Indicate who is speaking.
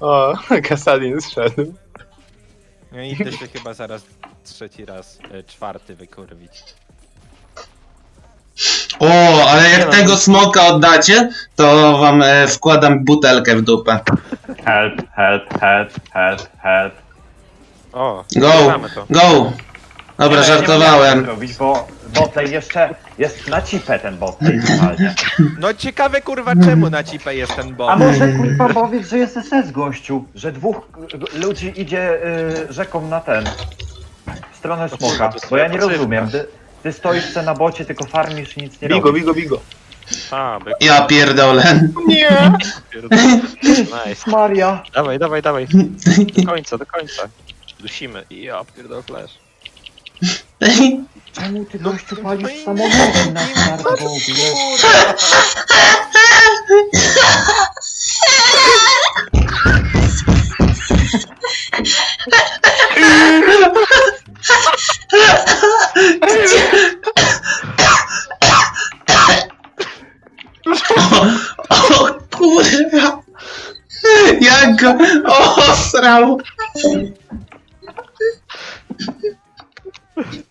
Speaker 1: O, Kasadin zszedł.
Speaker 2: No i idę się chyba zaraz trzeci raz, czwarty wykurwić.
Speaker 3: O, ale jak tego smoka oddacie, to wam wkładam butelkę w dupę.
Speaker 4: Help, help, help, help, help.
Speaker 5: O,
Speaker 3: Go,
Speaker 5: mamy to.
Speaker 3: go! Dobra,
Speaker 4: Nie
Speaker 3: żartowałem.
Speaker 4: robić, bo botlane jeszcze jest na cipę ten botlane totalnie.
Speaker 2: No ciekawe kurwa czemu na cipę jest ten
Speaker 4: A
Speaker 2: bot.
Speaker 4: może kurwa powiedz, że jest SS gościu, że dwóch ludzi idzie rzeką na ten, w stronę smoka, bo ja nie rozumiem. Ty stoisz se na bocie, tylko farmisz i nic nie
Speaker 1: Bigo,
Speaker 4: robisz.
Speaker 1: bigo, bigo.
Speaker 5: A, byk.
Speaker 3: Ja pierdolę.
Speaker 1: Nie!
Speaker 5: Nice.
Speaker 4: Maria!
Speaker 5: Dawaj, dawaj, dawaj. Do końca, do końca. Dusimy. Ja pierdol flash.
Speaker 4: Czemu ty gościu
Speaker 2: no
Speaker 4: palisz
Speaker 2: i
Speaker 4: samochodem na
Speaker 2: nie,
Speaker 4: start w ogóle?
Speaker 2: Kurwa.
Speaker 3: O kurwa! Jak go osrał!